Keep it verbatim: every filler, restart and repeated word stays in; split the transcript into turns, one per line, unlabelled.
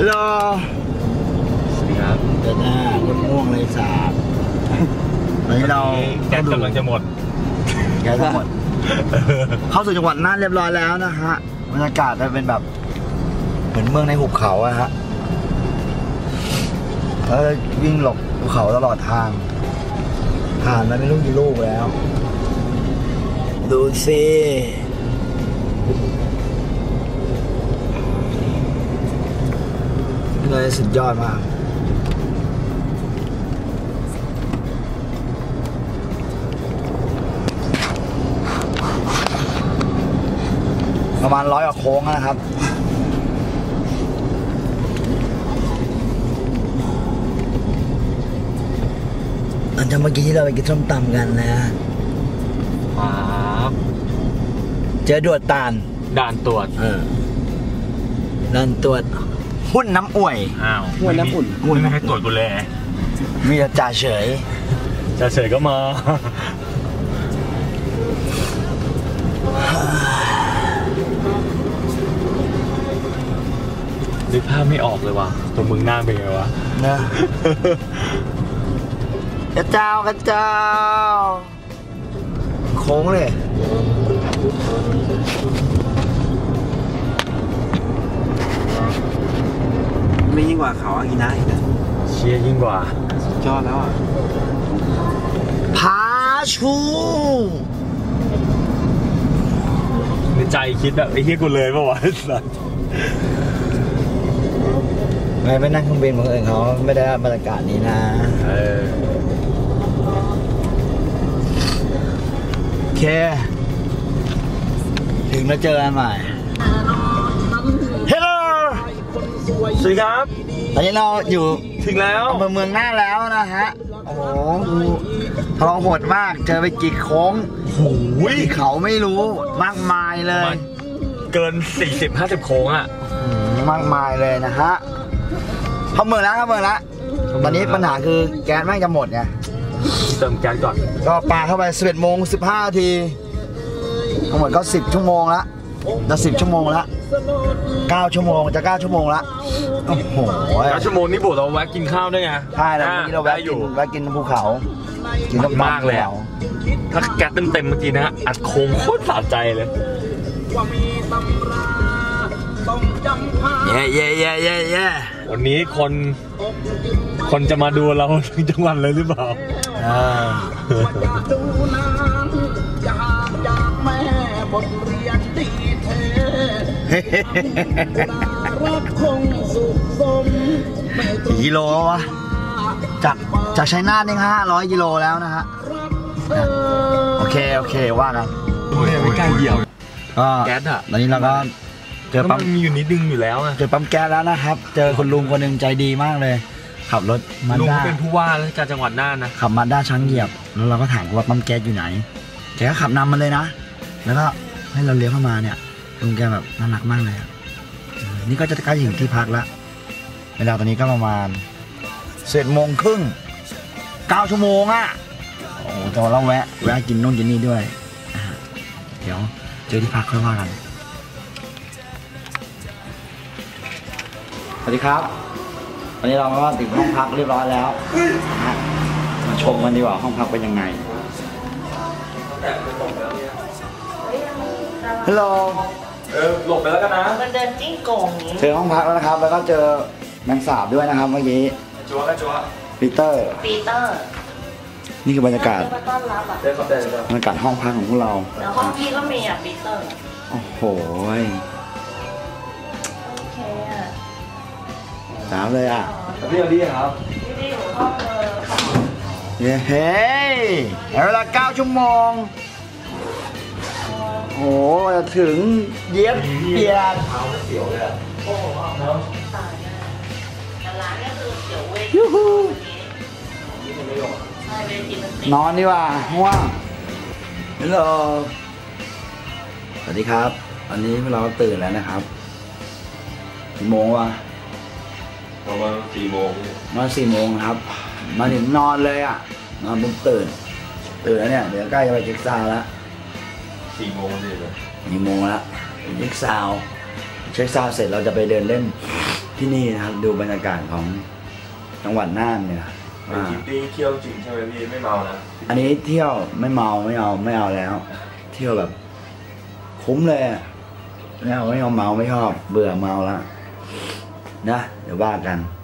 ฮัลโหล
สวัสดีครับ
เดินหน้าคนม่วงเลยสาบตอนนี้เรา
แก๊สกำลังจะหมด
แก๊สหมดเข้าสู่จังหวัดน่านเรียบร้อยแล้วนะฮะบรรยากาศจะเป็นแบบเหมือนเมืองในหุบเขาอะฮะแล้ววิ่งหลบภูเขาตลอดทางผ่านมาไม่รู้กี่ลูกแล้วดูสิเลยสุดยอดมากประมาณร้อยกว่าโค้งนะครับหลังจากเมื่อกี้ที่เราไปกินส้มตำกันนะเจอดวดตาล
ด่านตรวจ
เออด่านตรวจหุ้นน้ำอ่วย
อ้าว
หุ้นน้ำอุ่นหุ้น
ไม่ให้ตรวจกูเลย
มีแต่จ่าเฉย
จ่าเฉยก็มานึกภาพไม่ออกเลยว่ะตัวมึงหน้าเป็นไงวะ
นะกระเจ้ากระเจ้าโค้งเลยไม่ยิ่งกว่าเขาอากินะอีกนะ
เชียยิ่งกว่า
จอดแล้วอ่ะผาชู
ในใจคิดแบบไอ้เหี้ยกูเลยป่าววะสัส
ไม่ไม่นั่งเครื่องบินของอื่นเขาไม่ได้บรรยากาศนี้นะเออโอเคถึงแล้วเจอกันใหม่เฮลโล
สวัสดีครับ
ตอนนี้เราอยู่
ถึงแล้ว
อำเภอเมืองน่านแล้วนะฮะโอ้โหทรหดมากเจอไปกี่โค้ง
โอ้ย
เขาไม่รู้มากมายเลย
เกิน สี่สิบห้าสิบ โค้งอ่ะ
มากมายเลยนะฮะเข้าเมืองแล้วเข้าเมืองแล้วตอนนี้ปัญหาคือแก๊สแม่งจะหมดไง
เติมแก๊สก่อน
ก็ปาเข้าไปสิบเอ็ดโมงสิบห้านาทีทั้งหมดก็สิบชั่วโมงละจะสิบชั่วโมงละเก้าชั่วโมงจะเก้าชั่วโมงละโอ้โห
เก้าชั่วโมงนี่บุเราแวะกินข้าวด้วยไง
ใช่แล้วเมื่อกี้เราแวะอยู่แวะกินภูเขา
กินมากเลยถ้าแก๊สเต็มๆเมื่อกี้นะอัดโค้งโคตรสะใจเลย
เย่เย่เย่เย่เย่
วันนี้คนคนจะมาดูเราทั้งจังหวัดเลยหรือเปล่าอ่ากี่กิโลวะจากจากชัยนาทนี่ห้าร้อยกิโลแล้วนะฮะโอเคโอเคว่ากันไม่กล้าเหยียบ
ก็แก๊สอ่ะตอนนี้เราก็เจอปั๊ม
มีอยู่นิดนึงอยู่แล้ว
เจอปั๊มแก๊สแล้วนะครับเจอคุณลุงคนหนึ่งใจดีมากเลยขับรถมา
ด้าลุงเป็นผู้ว่าราชการจังหวัดน่านนะ
ขับมาด้าช้างเหยียบแล้วเราก็ถามว่าปั๊มแก๊สอยู่ไหนแกก็ขับนำมาเลยนะแล้วก็ให้เราเลี้ยวเข้ามาเนี่ยลุงแกแบบน่ารักมากเลยนี่ก็จะใกล้ถึงที่พักแล้วเวลาตอนนี้ก็ประมาณเสร็จโมงครึ่งเก้าชั่วโมงอ่ะโอ้แต่เราแวะแวะกินนู่นกินนี่ด้วยเดี๋ยวเจอที่พักค่อยว่ากันสวัสดีครับตอนนี้เราก็ถึงห้องพักเรียบร้อยแล้วมาชมกันดีกว่าห้องพักเป็นยังไงฮัลโหล
เออหลบไปแล้วกันนะ
มันเดินจิ้งโก่ง
เจอห้องพักแล้วนะครับแล้วก็เจอแมงสาบด้วยนะครับเมื่อกี้
จัวกันจัว
ปีเตอร์
ปีเตอร์
นี่คือบรรยากาศ
ต้อนรับอ่ะ
บรรยากาศห้องพักของพวกเรา
แล้วห้องพี่ก็มีอ่ะปีเตอร์
โอ้โห
โอเคอ่ะ
สาวเลยอ่ะ
พี่เอาดีครับ
พี่ดีอยู่ห้องเลย
เฮ้ยเวลาเก้าชั่วโมงโอ้จะถึงเย็บเปียก
เสียวเลยโอ้โห
ตายแน่แต่ร้านก็คือเสียวเว้ย
ยูฮู
ใช่เวทีมันติด
นอนดีกว่าง่วงฮัลโหลสวัสดีครับวันนี้พวกเราตื่นแล้วนะครับกี่โมงวะ
ประมาณสี่โมง
มาสี่โมงครับมาถึงนอนเลยอ่ะนอนปุ๊บตื่นตื่นแล้วเนี่ยเดี๋ยวใกล้จะไปเช็คซาวแล้ว
สี่โมงเลย
สี่โมงแล้วเช็คซาวเช็คซาวเสร็จเราจะไปเดินเล่นที่นี่นะครับดูบรรยากาศของจังหวัดน่านเนี่ย
เป็นทริปที่เที่ยวจริงใช่ไหมพี่ไม่เมานะ
อันนี้เที่ยวไม่เมาไม่เอาไม่เอาแล้ว เที่ยวแบบ คุ้มเลยอะไม่เอาไม่เอาเมาไม่ชอบเบื่อเมาแล้วนะเดี๋ยวว่ากัน